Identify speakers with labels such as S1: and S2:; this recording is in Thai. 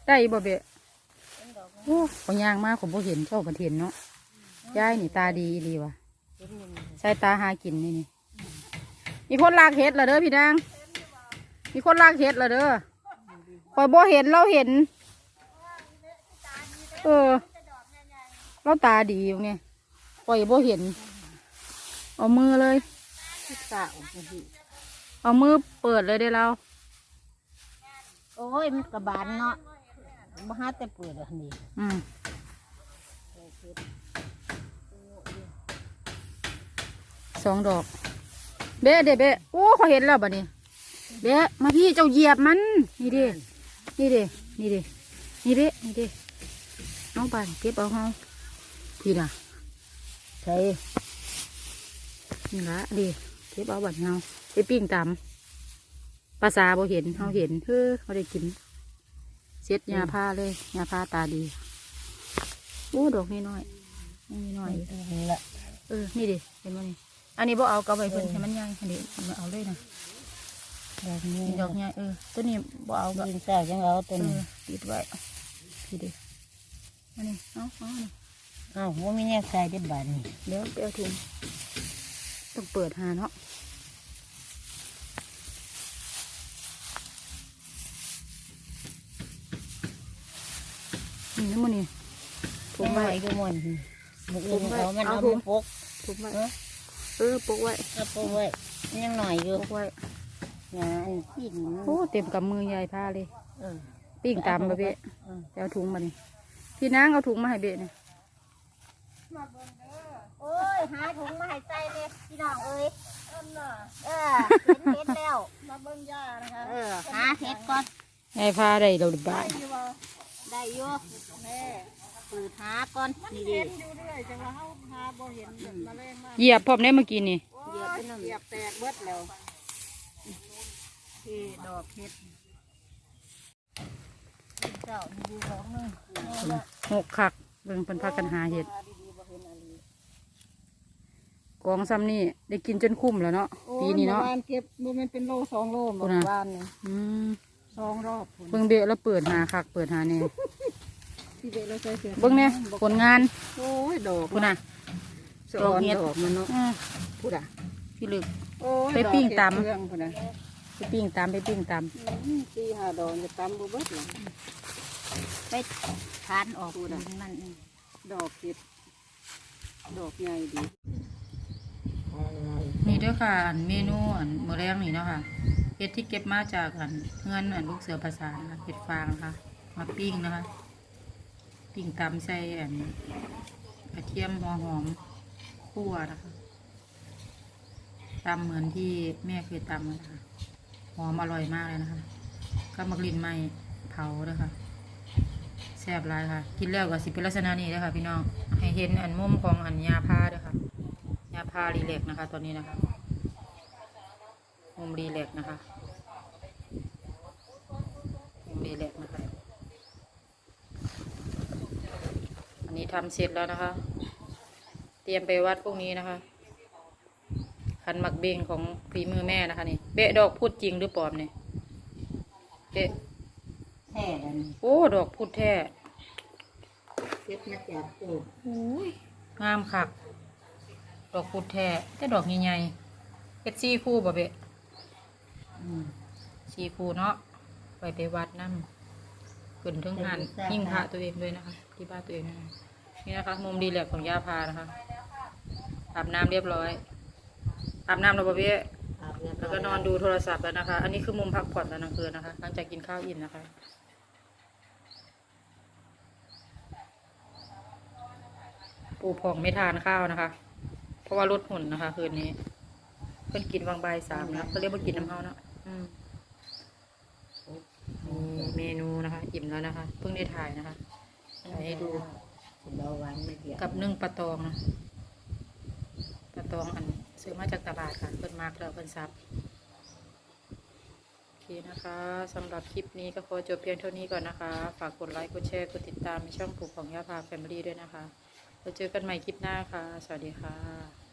S1: ได้บ่เบะโอ้ขอยางมากผมบ่เห็นเจ้าประเทศเนาะยายนี่ตาดีดีว่ะใส่ตาหากินนี่มีคนลากเห็ดเหรอเด้อพี่นางมีคนลากเห็ดเหรอเด้อคอยบ่เห็นเราเห็นเราตาดีอยู่ไงคอยบ่เห็นเอามือเลยเอามือเปิดเลยได้เรา
S2: โอ้ยมันกระบาลเนาะบ้าแต่เปิดอันนี้
S1: 2 ดอกเบ๊ะเด็เบ๊ะโอ้เขาเห็นแล้วบ่เนี่ยเบ๊ะมาพี่เจ้าเหยียบมันนี่ดินี่ดินี่ดินี่ดินี่ดิน้องปานเก็บเอาเฮาพี่น่ะใช่นี่ละดิเก็บเอาบัดเฮาไปปิ้งตำภาษาบ่เห็นเฮาเห็นเขาได้กินเซ็ตยาผ้าเลยยาผ้าตาดีโอ้ดอกน้อยน้อยนี่แหละนี่ดิเห็นไหมนี่อันนี้บ่เอากระใบเพิ่นให้มันใหญ่อันนี้มาเอาเลยนะดอกใหญ่ตัวนี้บ่เอาก็
S2: ยิงแซ่ยังเอาตัวนี้
S1: ติดไว้พี่ดิอันนี้เอา
S2: ว่ามีเนี่ยใส่ได้บาทนี่
S1: เดี๋ยวไปเอาถุงต้องเปิดหาเนาะนี่น้ำมันนี่
S2: ถุงไว้ก็มันถุงไว้มันเอาถุงปก
S1: ถุงไว้ปกไว้
S2: ปกไว้ยังหน่อยอยู่
S1: ปกไว้
S2: งานปิ้ง
S1: โอ้เต็มกับมือยายผ้าเลยปิ้งตามมาเบะเอาถุงมาดิพี่นางเอาถุงมาให้เบะเนี่ย
S2: โอ้ยหาถุงมาให้ใส่เลยพี่น้องเอ้ยเห็นแล้วมาเบิ่งย่านะคะหาเห็ดก่อน
S1: ยายผ้าได้เราบ้า
S2: ได้อยู่แม่ปืดหาก่อนนี่ดิอยู่เรื่อยจังว่าเฮาหาบ่เห็นมาแรงมาก
S1: เหยียบพร้อมได้เมื่อกี้นี่
S2: เหยียบแตกเบิดแล้วที่ดอกเห็ดเจ้าดูของนึง
S1: 6 คักเบิ่งเพิ่นพากันหาเห็ดกองซ้ำนี่ได้กินจนคุ้มแล้วเนาะปีนี้เนาะ
S2: เก็บมันเป็นโล2 โลหมดบ้านนี่2 รอบ
S1: เบิ่งเบะแล้วเปิดหาคักเปิดหาเนี่ย
S2: เ
S1: บิ่งเนี่ยผลงาน
S2: โอ้ยดอก
S1: คุณน่ะ
S2: ดอกเห็ดมันเนาะ
S1: พูดอ่ะพี่ลึกไปปิ้งตำไปปิ้งตำ
S2: ตี5 ดอกจะตำบุบเลยไปทานออกมันดอกเห็ดดอกใหญ่ดี
S1: นี่ด้วยค่ะเมนูมื้อแรงนี่เนาะค่ะเห็ดที่เก็บมาจากเงินลูกเสือภาษานะคะเห็ดฟางนะคะมาปิ้งนะคะปิ้งตำใส่กระเทียมหัวหอมคั่วนะคะตำเหมือนที่แม่เคยตำนะคะหอมอร่อยมากเลยนะคะก็มะกรินไม้เผาด้วยค่ะแซ่บหลายค่ะกินแล้วก็สิเป็นลักษณะนี้เลยค่ะพี่น้องให้เห็นมุมของยาผ้าด้วยค่ะยาผ้ารีแลกนะคะตอนนี้นะคะมุมรีแลกนะคะมุมรีแลกนะคะอันนี้ทำเสร็จแล้วนะคะเตรียมไปวัดพวกนี้นะคะขันหมักเบงของฝีมือแม่นะคะนี่เบะดอกพูดจริงหรือปลอมเนี่ยเบะ
S2: แท้
S1: โอ้ดอกพูดแท้
S2: เก็บมาจากตู้
S1: งามคักดอกพูดแท้แต่ดอกใหญ่ๆเป็นซีคู่บ่เบะซีคู่เนาะไปวัดนั่งขึ้นถึงหันยิ่งพระตัวเองด้วยนะคะที่บ้านตัวเองนี่นะคะมุมดีแลกของย่าพานะคะอาบน้ำเรียบร้อยอาบน้ำแล้วบ่เบะแล้วก็นอนดูโทรศัพท์แล้วนะคะอันนี้คือมุมพักผ่อนตอนกลางคืนนะคะหลังจากกินข้าวอิ่มนะคะปูผ่องไม่ทานข้าวนะคะเพราะว่าลดหุ่นนะคะคืนนี้เพิ่นกินวางใบ3นะเขาเรียกว่ากินน้ำเฮาเนาะเมนูนะคะอิ่มแล้วนะคะเพิ่งได้ถ่ายนะคะถ่ายให้ดูกับนึ่งปลาตองนะปลาตองซื้อมาจากตลาดค่ะเพิ่นมากแล้วเพิ่นซับโอเคนะคะสำหรับคลิปนี้ก็ขอจบเพียงเท่านี้ก่อนนะคะฝากกดไลค์กดแชร์กดติดตามในช่องปลูกของย่าพาแฟมิลี่ด้วยนะคะแล้วเจอกันใหม่คลิปหน้าค่ะสวัสดีค่ะ